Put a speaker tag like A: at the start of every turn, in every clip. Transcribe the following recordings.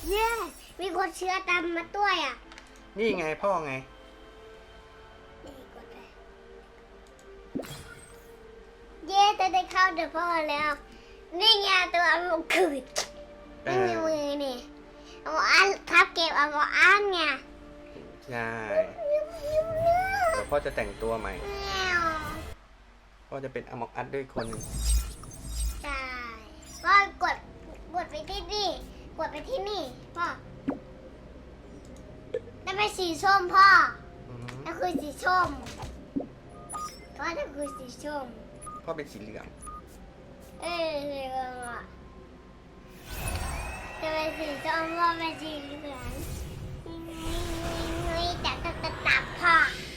A: เนี่ยมีคนเชื้อตามมาด้วยอ่ะ
B: นี่ไงพ่อไง
A: นี่กดเลยเย้จะได้เข้าเดี๋ยวพ่อแล้วนี่ไงตัวอันมขืดไม่มีมือนี่เอาอันทับเก็บเอาอันไง
B: ใช่เดี๋ยวพ่อจะแต่งตัวใหม่พ่อจะเป็นอมอกอัดด้วยคน
A: ใช่ก็กดไปที่นี่กดไปที่นี่พ่อนั่นเป็นสีส้มพ่อนั่นคือสีส้มพ่อนั่นคือสีส้ม
B: พ่อเป็นสีเหลือง
A: เหลืองอ่ะจะเป็นสีส้มพ่อเป็นสีเหลืองนี่ตับพ่อ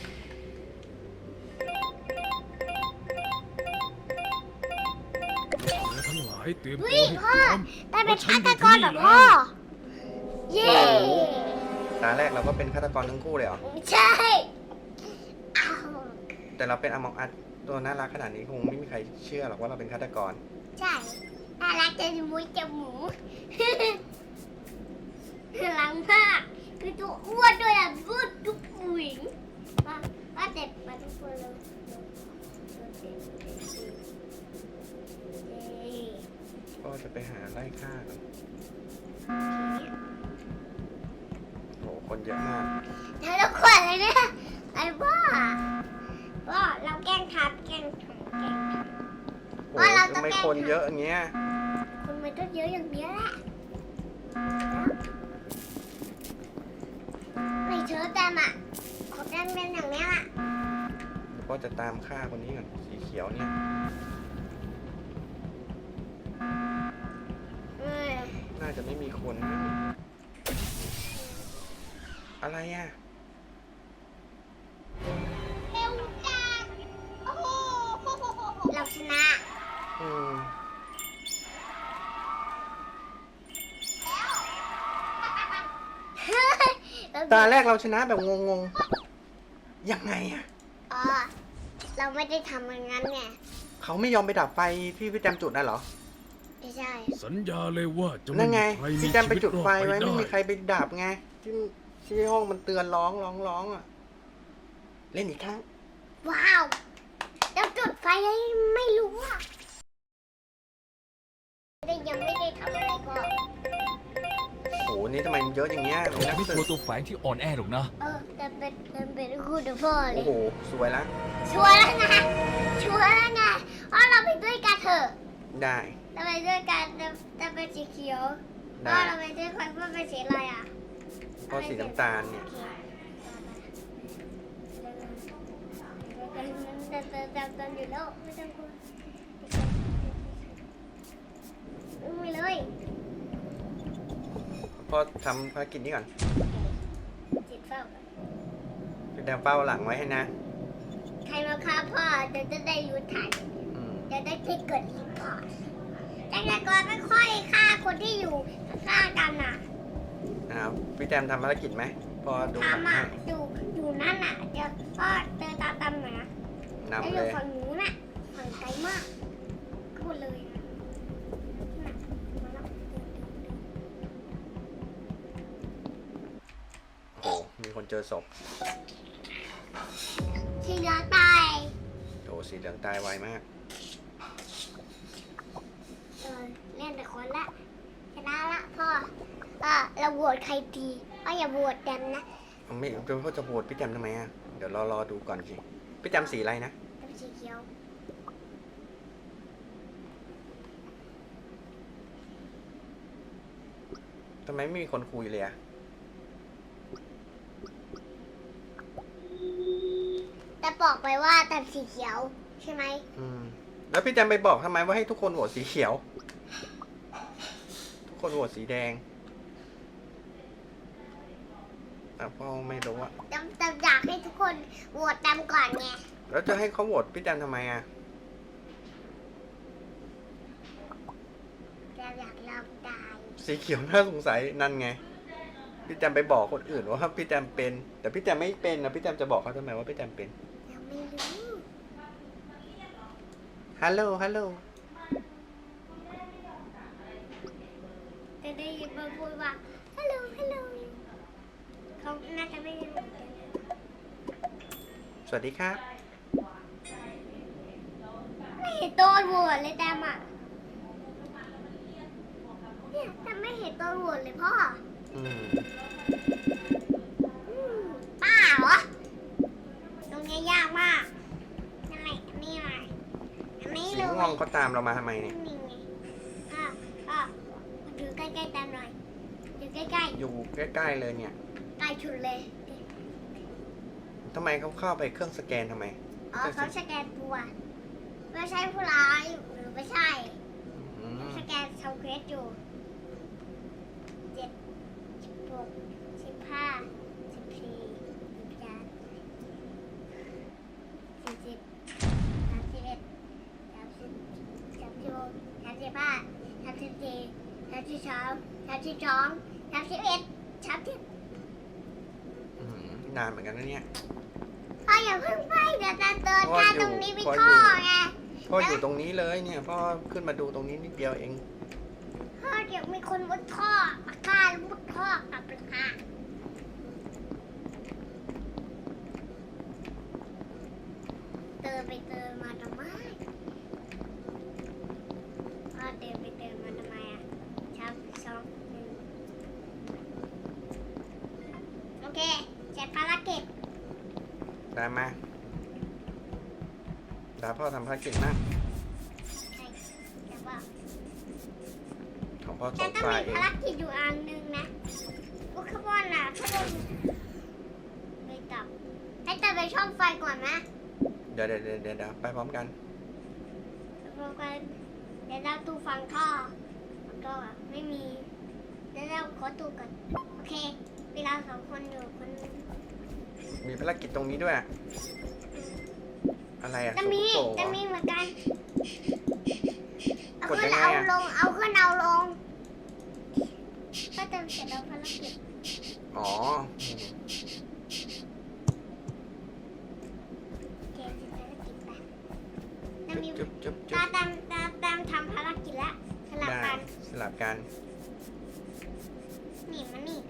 C: ทั้งหลายเตรียมตัว
A: เฮ้ย
C: ให้พ
A: พ่อ
C: ร้อม
A: ได้เป็นฆาตกรแบบพ่อเย้
B: ตาแรกเราก็เป็นฆาตกรทั้งคู่เลยเหรอ
A: ใช่อ้าว
B: แต่เราเป็นอมอกอัดตัวน่ารักขนาดนี้คงไม่มีใครเชื่อหรอกว่าเราเป็นฆาตกร
A: ใช่น่ารักจะมุ้ยจะหมูหลังมากคือตัวอ้วนด้วยอ่ะอ้วนทุกผู้หญิงว่าเจ็บมาทุกคนเลย
B: ก็จะไปหาไล่ฆ่ากันโหคนเยอะมาก
A: เธอต้องขวัญเลยเนี่ยไอ้บ้าเราแกล้งทับ
B: โอ้ทำไมคนเยอะอย่างเงี้ย
A: คนมันต้องเยอะอย่างเนี้ยแหละไม่เชื่อแต่อ่ะขอบดันเป็นอย่างเนี้ยแหละ
B: ก็จะตามฆ่าคนนี้ก่อนสีเขียวเนี่ยน่าจะไม่มีคนนะอะไรอ่ะ
A: เร็วจังโอ้โหเราชนะ
B: ตาแรกเราชนะแบบงงๆยังไงอ่ะ
A: เราไม่ได้ทำอย่างนั้นไง
B: เขาไม่ยอมไปดับไฟที่พี่แจมจุดน่ะเหรอ
A: ไม่ใช่
C: สัญญาเลยว่าจะ
B: ไม่มี
C: ใครมี
B: พี่แจมไปจุดไฟไว้
C: ไม่
B: มีใครไปดับไงที่ห้องมันเตือนร้องอ่ะเล่นอีกครั้ง
A: ว้าวเราจุดไฟให้ไม่รู้อ่ะยังไม่ได้ทำอะไรก็
B: โอ้โหนี่ทำไมเยอะอย่างเงี้ย
C: ไม่กลัวตัวแฝงที่อ่อนแอหรอกนะ
A: แต่เป็นคู่เดี๋ยวพ่อเลย
B: โอ้โหสวยละ
A: ชัวร์แล้วไงชัวร์แล้วไงเพราะเราไปด้วยกันเถอะ
B: ได้
A: เราไปด้วยกันจะเป็นสีเขียวเพราะเราไปด้วยกันว่าเป็นสีอะไรอ่ะ
B: เพราะสีน้ำตาลเนี่ย
A: จำอยู่แล้วไม่ต้องกลัวไม่เลย
B: พ่อทำภารกิจนี้ก่อน
A: จิตเฝ้า
B: พี่แจมเฝ้าหลังไว้ให้นะ
A: ใครมาฆ่าพ่อจะได้รู้ทันจะได้ไม่เกิดรีพอร์ตแต่ก่อนไม่ค่อยฆ่าคนที่อยู่ฆ่ากันอ่ะ
B: พี่แจมทำภารกิจไหมพอดู
A: ทำอ่ะอยู่นั่นอ่ะเดี๋ยวพ่อเดินตามหน่อยนะ
B: แล้ว
A: อยู่ฝั่งหนูน่ะฝั่งไกลมากพูดเลย
B: โอ้มีคนเจอศพ
A: สีเหลืองตาย
B: โอ้สีเหลืองตายไวมาก
A: เล่นแต่คนละชนะละพ่อเราโหวตใครดีอย่าโหวตแดมนะ
B: ไม่พ่อจะโหวตพี่แจมทำไมอ่ะเดี๋ยวรอดูก่อนสิพี่แจมสีอะไรนะ
A: สีเขียว
B: ทำไมไม่มีคนคุยเลยอ่ะ
A: แต่บอกไปว่าแต่สีเขียวใช่ไหม
B: แล้วพี่แจมไปบอกทำไมว่าให้ทุกคนโหวตสีเขียวทุกคนโหวตสีแดงพ่อไม่รู้อะ
A: แต่อยากให้ทุกคนโหวตแดมก่อนไง
B: แล้วจะให้เขาโหวตพี่แจมทำไมอะ
A: อยากลองตาย
B: สีเขียวน่าสงสัยนั่นไงพี่แจมไปบอกคนอื่นว่าพี่แจมเป็นแต่พี่แจมไม่เป็นนะพี่แจมจะบอกเขาทำไมว่าพี่แจมเป็น
A: ยังไม่รู้
B: ฮัลโหล
A: แต่จะได้ยินมันพูดว่าฮัลโหลฮัลโหลเขาน่าจะไม่ได้เหมือนกัน
B: สวัสดีครับ
A: ไม่เห็นโดนโหวตเลยแต้มอ่ะเนี่ยแต่ไม่เห็นโดนโหวตเลยพ่อ
B: อืม
A: ป้าเหรอตรงนี้ยากมากนั่นแหละอันนี้อะไรอันนี้
B: สี
A: เลย
B: ม่วงเขาตามเรามาทำไมเนี่ย
A: นี่ไงก็ดูใกล้ๆตามหน่อยดูใกล้
B: อยู่ใกล้ๆเลยเนี่ย
A: ๆใกล้ชุดเลย
B: ทำไมเขาเข้าไปเครื่องสแกนทำไม
A: อ๋อเขาสแกนตัวไม่ใช่ผู้ร้ายหรือไม่ใช่
B: อืม
A: สแกนทำเควสอยู่
B: อืมนานเหมือนกันนะเนี่ย
A: พ่ออย่าเพิ่งไปเดี๋ยวจะเดิน
B: พ่อ
A: ทาง
B: อยู่
A: ตรงนี้มี
B: พ่อ
A: ท่อ
B: อยู่
A: ไง
B: พ่ออยู่ตรงนี้เลยเนี่ยพ่อขึ้นมาดูตรงนี้นิดเดียวเอง
A: พ่อเดี๋ยวมีคนมุดท่อปากกาแล้วมุดท่อกลับเลยค่ะเดินไปเดินมาทำไมพ่อเดินไปเดินมาทำไมอ่ะชับสองหนึ่งโอเคเสร็จภารกิจ
B: ได้ไหมตาพ่อทำภารกิจมาก
A: ใช่แต่ว่า
B: ของพ่อส
A: แต่
B: อง
A: ต้อง
B: ฝ่าย
A: มี
B: เอง
A: ภารกิจอยู่อันหนึ่งนะพวกขบวนน่ะขบวนไปตับให้แต่ไปช่องไฟก่อนนะ
B: เดี๋ยวไปพร้อมกัน
A: พร้อมกันเดี๋ยวเราตูฟังท่อก็ไม่มีเดี๋ยวเราขอตูก่อนโอเคเวลาสองคนอยู่คน
B: มีภารกิจตรงนี้ด้วย อะไรอะ
A: จะมี
B: โซ่เหร
A: จะ
B: อ
A: มีเหมือนกันเอา
B: กด
A: ขึ้
B: ยั
A: น
B: งไง
A: เอา
B: อะ
A: ลงเอาขึ้นเอาลงก็จะเสร็จแล้วภารกิจ
B: อ๋อ
A: โอเคเสร็จภารกิจไปจะมี
B: จุ๊บ
A: ตาตามทำภารกิจแล้วสลับ
B: ได้
A: กัน
B: สลับกัน
A: นี่มานี่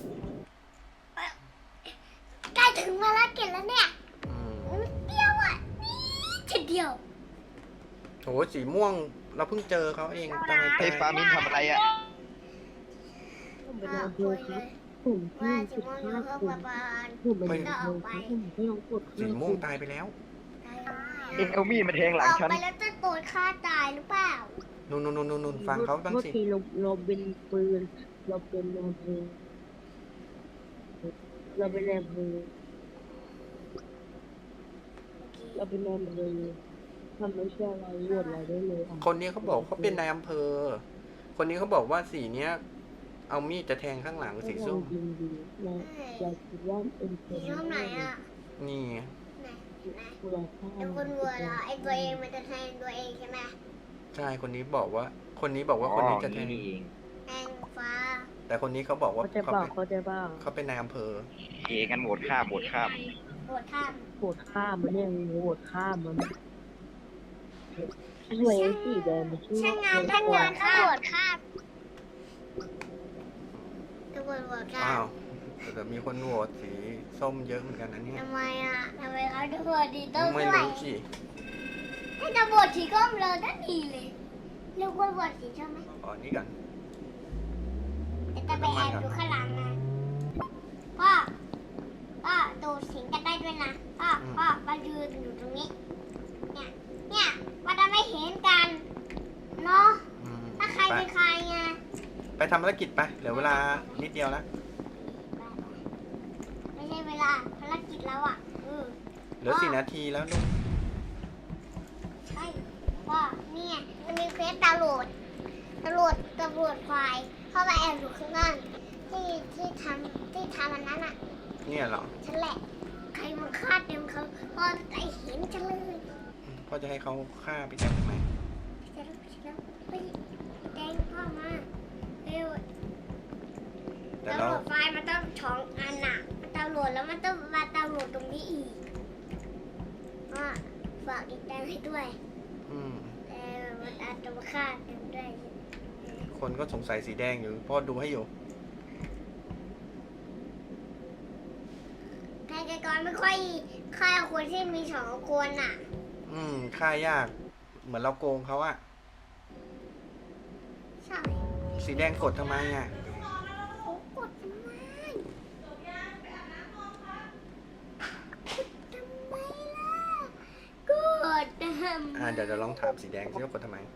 A: ใกล้ถึงภารกิจแล้วเนี่ย
B: อืม
A: นิดเดียวอ่ะนิดเดียว
B: โหสีม่วงเราเพิ่งเจอเขาเองทำไม
D: เฮ้ยฟามินทำอะไรอ่ะ
E: ผมเป็นนายอำเภอครับผม
A: ว่า
E: ที่
A: จะ
E: สิบ
A: มอง
E: ห้า
A: เพื่อ
E: คน
A: ประมาณ
E: ผมเป็นนายอำเภอครับผมก็ลองกด
B: สีม่วงตายไปแล้ว
D: เอ็งเอามีดมาแทงหลังฉัน
A: ออกไปแล้วจะโดนฆ่าตายหรือเปล่า
B: นู่นฟังเขาบ้าง
E: เมื่อ
B: สิ
E: ทีเราเป็นปืนเราเป็นนายอำเภอเราเป็นนายอำเภอเราเป็นนายอำเภอทำไม่ใช่อะไรโหวตอะไรได้เลยอ่ะ
B: คนนี้เขาบอกเขาเป็นนายอำเภอ คนนี้เขาบอกว่าสีเนี้ย เอามีดจะแทงข้างหลังสีส้ม
E: ยิงดีนะอยากคิดว่าเป็นค
A: สี
E: น
A: ส้มไหนอ่ะ
B: นี่ไง
A: ไหน
E: ผู้ร้ายฆ่า
A: ไอ้คนวัวเหรอไอ้ตัวเองมันจะแทงตัวเองใช่ไหม
B: ใช่คนนี้บอกว่า คนนี้บอกว่าคนนี้จะแทง
D: นี่เอง
A: แทงฟ้า
B: แต่คนนี้เขาบอกว่า
E: เขาใจ
B: เขา
E: บ้า
B: เป็น
E: เขาใจบ้า
B: เขาเป็นนายอำเภอ
D: เองกันโหวตข้ามโหวตข้าม
A: โหดท่าม
E: โหวตฆ่ามันเนี่ยโหวตฆ่ามันช่วยไอ้สีแดงมาช่วย
A: ช่างงานช่างงานตำรวจฆ่าตำรวจโหดฆ่า
B: อ้าวแต่มีคนโหวตสีส้มเยอะเหมือนกันนะเนี่ย
A: ทำไมอ่ะทำไมเขาตำรวจดีต้อง
B: ไม่
A: ด้วย
B: รู้สิ
A: ให้ตำรวจสีส้มเลยนั่นดีเลยเรียกว่าตำรวจสีส้มไหม
B: อ๋อนี่กัน
A: จะไปแอบอยู่ข้างหลังนะพ่อดูสิงกันได้ด้วยนะพ่อมายืนอยู่ตรงนี้ เนี่ยมันจะไม่เห็นกันเนาะ
B: อืม
A: ถ้าใคร
B: ไป
A: เป็นใครไง
B: ไปทำภารกิจไปเหลือเวลานิดเดียวแล้ว
A: ไม่ใช่เวลาภารกิจแล้วอ่ะ
B: เหลือ4 นาทีแล้วลูก
A: ใช่พ่อเนี่ยมันมีเควสตำรวจควายเข้ามาแอบอยู่ข้างล่างที่ทำอันนั้นอ่ะ
B: เนี่ยเหรอ
A: ฉันแหละ ใครมาฆ่าเต็มเขาพอไอเห็นฉันเลย
B: พ่อจะให้เขาฆ่าพี่แจ๊คทำไม
A: ฉันไปแดงพ่อมาเร็ว
B: แต่
A: ตำ
B: เรา
A: รวจไฟมันต้องช่องอันน่ะมันตำรวจแล้วมันต้องมาตำรวจตรงนี้อีกฝากอีกแดงให้ด้วย
B: อืม
A: แต่มันอาจจะมาฆ่าเต็มด้วย
B: คคนก็สงสัยสีแดงอยู่พ่อดูให้อยู่
A: ฆาตกรไม่ค่อยฆ่าคนที่มีสองคนอ่ะ
B: ค่ายาก เหมือนเราโกงเขาอะ
A: ใช่
B: สีแดงกดทำไมอะ
A: เขากดทำไมกดทำไมล่ะ
B: เดี๋ยวลองถามสีแดงซิว่ากดทำไม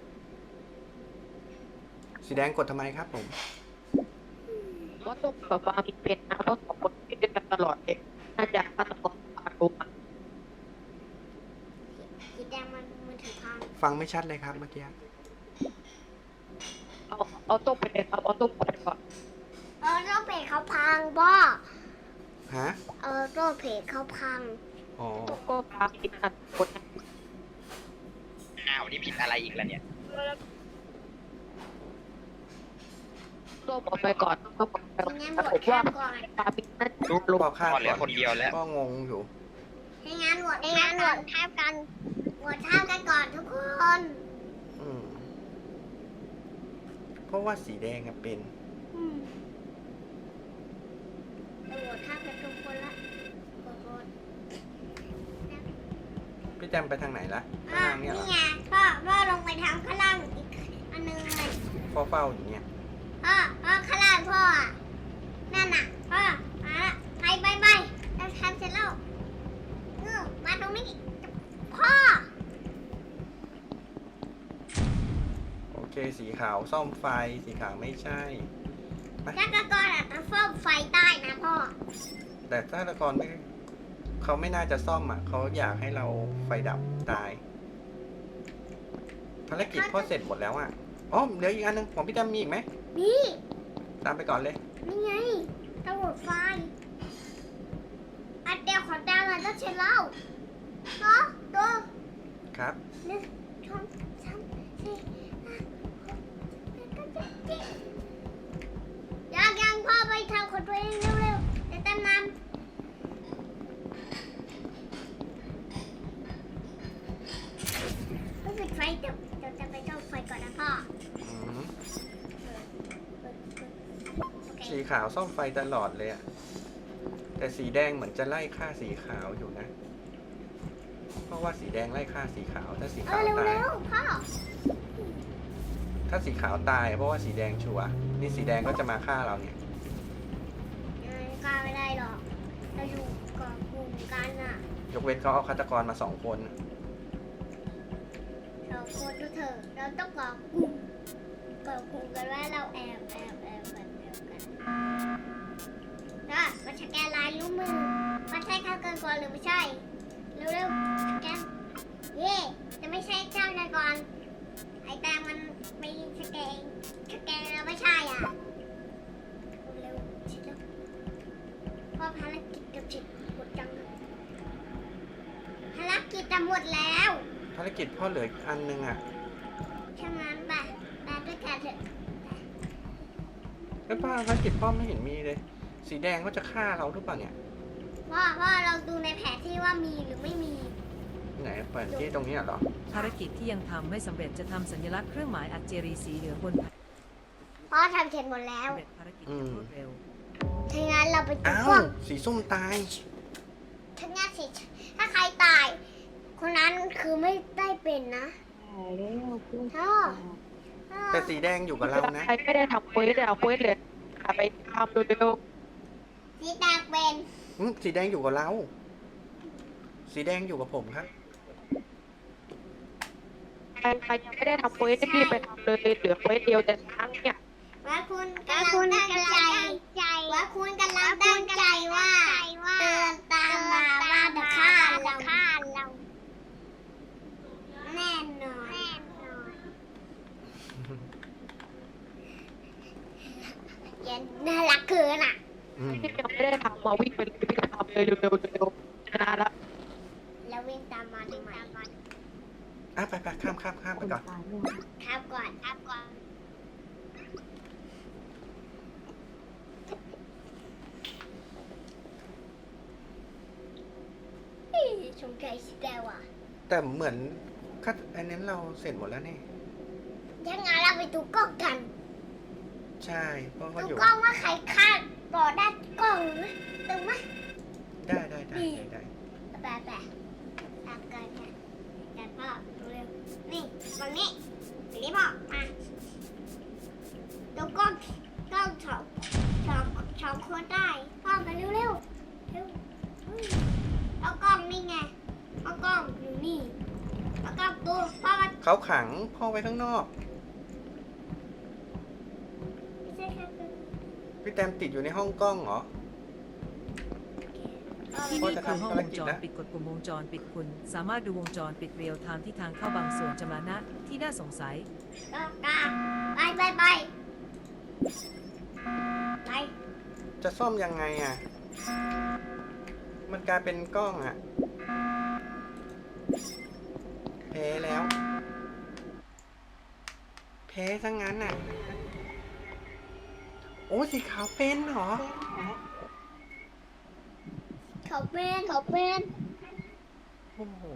B: สีแดงกดทำไมครับผม
E: ว่าต้องแบบว่ามีเป็นนะเพราะสองคนที่ด้วยกันตลอดเลยน่าจะฆาตกรปาดตัว
A: สีแดงมันถือพัง
B: ฟังไม่ชัดเลยครับเมื่อกี้
E: เอาต้มไปเลยครับเอาต้มไปก่อน
A: ต้องเพจเขาพังบ่
B: ฮะ
A: ต้องเพจเขาพัง
B: อ๋อ
E: ต้มก็พากินอันคน
D: อ้าวนี่ผิดอะไรอีกแล้วเนี่ย
E: ต้มออกไปก่อนต้มออกไปก่อน
A: งั้น
E: แต่
A: บ
E: ผ
A: ท
E: ม
A: ข้า
E: ว่าม
A: ก่อน
E: ปาปิดนั่น
B: ลูกบอกข้าม
D: พ่อเหลือคนเดียวแล้ว
B: ก็งงอยู่
A: ให้งั้นบทข้ามกันบทข้ามกันก่อนทุกคน
B: เพราะว่าสีแดงเป็น
A: บทข้ามกันทุกคนละกด
B: พี่แจมไปทางไหนละ
A: อ่ะ
B: ทางเนี่ยเหร
A: นี่
B: อ
A: ไงพ่อลงไปทางข้างล่างอีกอันนึงเลย
B: เฝ้าอยู่เนี่ย
A: พ่อข้างล่างพ่ออ่ะนั่นน่ะพ่อมาละไปเราทำเสร็จแล้วมาตรงนี้พ่อ
B: โอเคสีขาวซ่อมไฟสีขาวไม่ใช่
A: ฆาตกรอาจจะซ่อมไฟได้นะพ่อ
B: แต่ฆาตกรไม่เขาไม่น่าจะซ่อมอ่ะเขาอยากให้เราไฟดับตายภารกิจพ่อเสร็จหมดแล้วอ่ะอ๋อเดี๋ยวอีกอันนึงของพี่แจมมีอีกไหม
A: นี่
B: ตามไปก่อนเลย
A: นี่ไงตำรวจไฟอันเดียวของดาวมันต้องเช็ดเหล้าเนาะตัว
B: ครับ
A: หนึ่งสองสามสี่ห้าหกเจ็ดแปดเก้าสิบยังพ่อไปทำของตัวเองเร็วๆจะเต็มน้ำต้องปิดไฟเดี๋ยวจะไปซ่อมไฟก่อนนะพ่อ
B: อืม
A: โอเค
B: สีขาวซ่อมไฟตลอดเลยอ่ะแต่สีแดงเหมือนจะไล่ฆ่าสีขาวอยู่นะ เพราะว่าสีแดงไล่ฆ่าสีขาวถ้าสีขาวตาย
A: เร็วพ่อ
B: ถ้าสีขาวตายเพราะว่าสีแดงชัวร์นี่สีแดงก็จะมาฆ่าเราเนี่ย
A: กล้าไม่ได้หรอกเราอยู่กับกลุ่มกันอ่ะ
B: ยกเว้นเขาเอาฆาตกรมา2 คน
A: เราโคตรเถอะเราต้องก่อกลุ่มกันว่าเราแอบแบบเดียวกันก็มาสแกนลายนิ้วมือมันใช่ข้าวเกินก่อนหรือไม่ใช่เร็วๆสแกนเย่จะไม่ใช่เจ้าชายก่อนไอ้แตงมันไม่สแกนเราไม่ใช่อ่ะเร็วๆชิดแล้วพอภารกิจจะเสร็จหมดจังภารกิจจะหมดแล้ว
B: ภารกิจพ่อเหลืออีกอันนึงอ่ะ
A: ฉะนั้นไปด้วยกันเถอะ
B: แล้วภารกิจพ่อไม่เห็นมีเลย สีแดงก็จะฆ่าเราหรือเปล่าเนี่ย
A: ว่าเราดูในแผนที่ว่ามีหรือไม่มี
B: ไหนเปิดที่ตรงนี้เหรอ
F: ภารกิจที่ยังทำไม่สำเร็จจะทำสัญลักษณ์เครื่องหมายอัจเจรีสีเหลืองบนแผ่น
A: เพราะทำเสร็จหมดแล้ว
F: สำเร็จภารกิจอย่างรวดเร็ว
A: ถ้างั้นเราไปดู
B: อ้าว
A: กล้อง
B: สีส้มตาย
A: ถ้างั้นสิถ้าใครตาย คนนั้นคือไม่ได้เป็นนะ
E: ตายแล้วเพื่อน
A: พ่อ
B: แต่สีแดงอยู่กับเรานะ
E: ใครไม่ได้ทำเควสเลยเอาเควสเลยไปทำเร็ว
A: สีแดงเป็น
B: สีแดงอยู่กับเรา สีแดงอยู่กับผมครับ
E: ๆใครยังไม่ได้ทำเควสรีบไปทำเลยเหลือเควสเดียวแต่ครั้งเนี่ย
A: ว่าคุณกำลังตั้งใจว่าคุณกำลังตั้งใจว่าเดินตามมาว่าจะฆ่าเราแน่นอนยันน่ารักเกินอ่ะ
E: ที่ยังไม่ได้ทำมาวิ่งไปเลยวิ่งไปทำเลยเร็วๆชนะละ
A: แล้ววิ่งตามมาทำไม
B: ไปข้ามไปก่อน
A: ครับก่อนชมใจสิแต่ว่ะ
B: แต่เหมือนอันนั้นเราเสร็จหมดแล้วนี่
A: ถ้างั้นเราไปดูกล้องกัน
B: ใช่เพราะเขา
A: ดู
B: อยู่
A: กล้องว่าใครฆ่าก่อได้กล้องนะดูไหม
B: ได้
A: แปะแปะตามกันค่ะกันพ่อเร็วนี่ฝั่งนี้ฝั่งนี้พ่อมาดูกล้องสองคนได้พ่อมาเร็วเร็วเอากล้องนี่ไงเอากล้องอยู่นี่เอากล้องดูพ่อมา
B: เขาขังพ่อไว้ข้างนอก
A: ไม่ใช่ครับ
B: พี่แตมติดอยู่ในห้องกล้องเหรอ
F: ที่
B: พ่อ
F: นี่
B: จะ
F: คือ
B: ทำ
F: ห้อง
B: ภาร
F: วง
B: กิจ
F: จร
B: นะ
F: ปิดกดปุ่มวงจรปิดคุณ สามารถดูวงจรปิดเรียลไทม์ที่ทางเข้าบางส่วนจำละนะที่น่าสงสัย
A: ก็กาไป
B: จะซ่อมยังไงอ่ะ มันกลายเป็นกล้องอ่ะแพ้แล้ว แพ้ซะงั้นอ่ะ โอ้สีขาวเป็นเหรอ
A: เขาเป็น
B: โอ้โห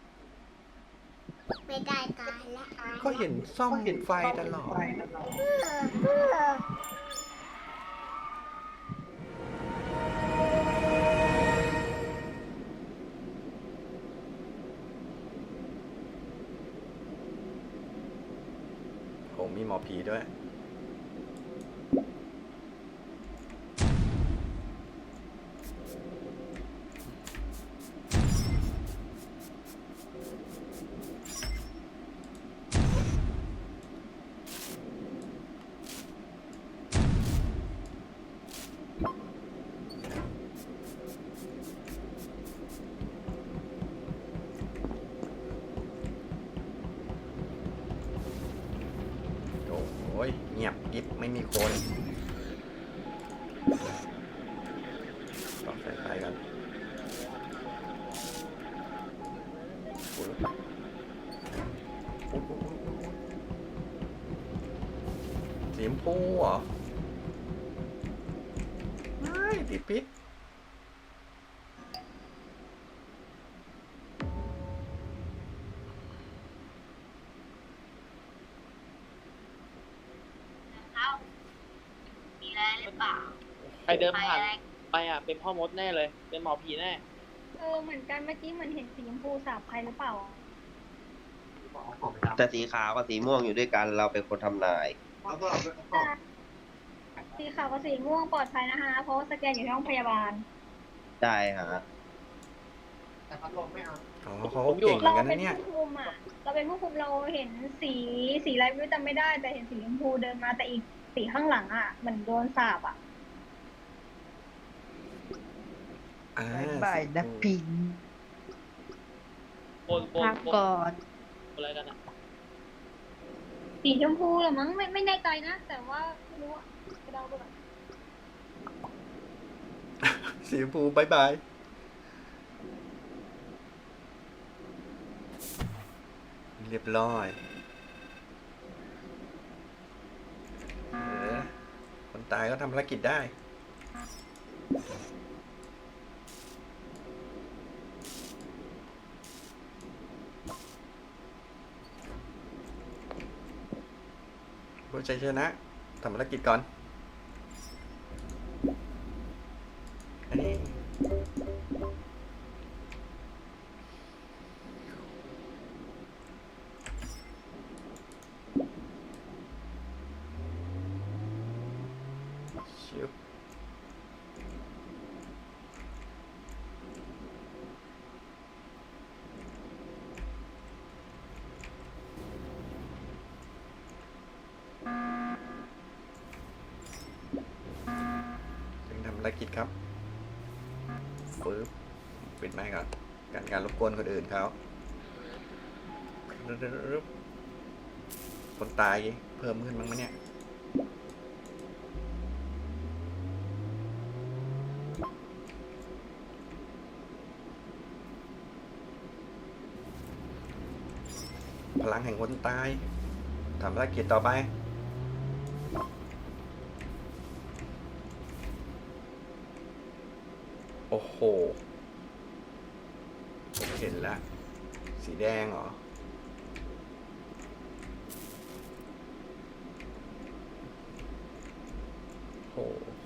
A: ไม่ได้ตายแล้ว
B: ก็เห็นซ่อมไฟตลอด โหมีหมอผีด้วย โอ้ยเงียบกิ๊บไม่มีคนต้องใส่ไฟกันโอ้ยสีชมพูเหรอ ไม่ติดพิษ
A: มีอะไรหรือเปล่า
G: ใครเดินผ่านไปอ่ะเป็นพ่อมดแน่เลย เป็นหมอผีแน่
H: เหมือนกันเมื่อกี้เหมือนเห็นสีชมพูสาบใครหรือเปล่า
I: แต่สีขาวกับสีม่วงอยู่ด้วยกันเราเป็นคนทำนาย
H: สีขาวกับสีม่วงปลอดภัยนะคะ เพราะว่าสแกนอยู่ที่ห้องพยาบาล
I: ได้ฮะ
B: อ๋อเขาเก่งเหมือนกัน
H: เป็
B: นะ
H: น
B: เนี่ย
H: ผู้คุมอ่ะ เราเป็นผู้คุมเราเห็นสีอะไรไม่รู้จำไม่ได้ แต่เห็นสีชมพูเดินมาแต่อีกสีข้างหลังอ่ะเหมือนโดนสาบอ่ะ
E: บ่ายนักพิง
G: โกน
E: พักก่อน
G: อะไรกันอ่ะ
H: สีชมพูเหรือมั้งไม่แน่ใจนะ แต่ว่าไม่รู้อ่ะไปเดาไปก่อน
B: สีชมพูบายบาย เรียบร้อยคนตายก็ทำภารกิจได้ ผู้ชัยชนะทำภารกิจก่อนอันนี้ชิบจึงทำภารกิจครับปึ๊บปิดไมค์ก่อนการรบกวนคนอื่นเขาคนตายเพิ่มขึ้นบ้างไหมเนี่ย พลังแห่งคนตายทำภารกิจต่อไป โอ้โหผมเห็นแล้ว สีแดงเหรอ พ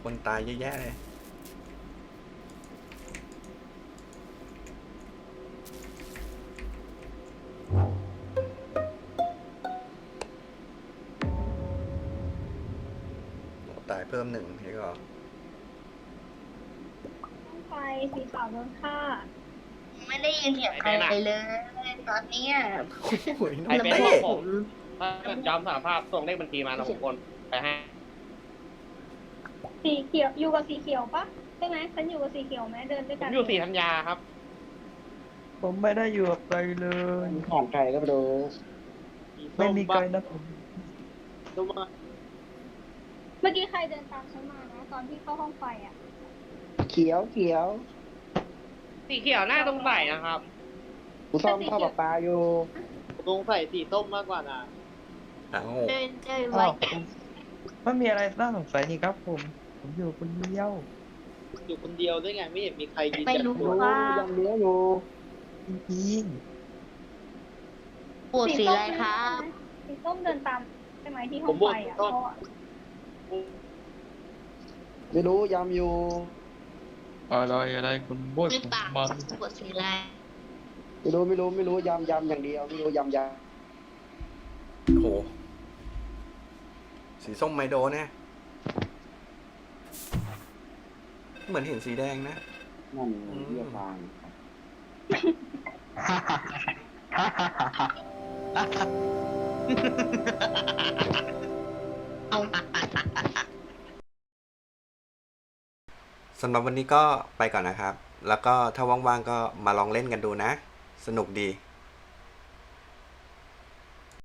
B: คนตายเยอะแยะเลย โอ้ตายเพิ่มหนึ่งเห็นก็
H: ห้องไฟสีขาวโดนฆ่า
J: ไม่ได้ยินเสียงใครเลยตอนเนี้ย
B: โอ้ยน้
G: ใคร
B: อง
G: เป็น
B: เต้
G: พวกผมถ้าเกิดยอมสารภาพส่งเลขบัญชีมานะผมโอนไปให้
H: สีเขียวอยู่กับสีเขียวปะใช่ไหมฉันอยู่กับสีเขียวไหมเดินด้วย
G: ผ
H: กั
G: ม
H: น
G: อยู่ศรีธัญญาครับ
K: ผมไม่ได้อยู่กับใครเลย
G: ของใครก็ไม่รู้
K: ไม่มีใครนะผม
G: ดูมา
H: เมื่อกี้ใครเดินตามฉันมานะตอนที่เข้าห้องไฟอ่ะ
K: เขียวเขียว
G: สีเขียวหน้าตรงใส่นะครับ
K: กูซ่อมท่อประปาอยู่
G: ตรงใส่สีส้มมากกว่านะ
B: เอ้า
J: เดินไว
K: อ้าวไม่มีอะไรน่าสงสัยนี่ครับผม ผมอยู่คนเดียว
G: อยู่คนเดียวด้วยไงไม่เห็นมีใครยืน
J: ไม่รู้
G: ยัน
J: ว่า
K: ยังเลี้ยงอยู่จริง
J: ปวดสีอะไรครับ
H: สีส้มเดินตามใช่ไหมที่ห้องไฟอ่ะเขาอะ
K: ๆไม่รู้ยำอยู่อะไรคุณโบย
J: ไม่
K: ผม
J: ปาก
K: มา
J: ปวดสีอะไร
K: ไม่รู้ยำอย่างเดียวไม่รู้ยำ
B: โห สีส้มไมโดเนี่ยเหมือนเห็นสีแดงนะ
K: นั่นเรียกทาง
B: สำหรับวันนี้ก็ไปก่อนนะครับ แล้วก็ถ้าว่างๆก็มาลองเล่นกันดูนะ สนุกดี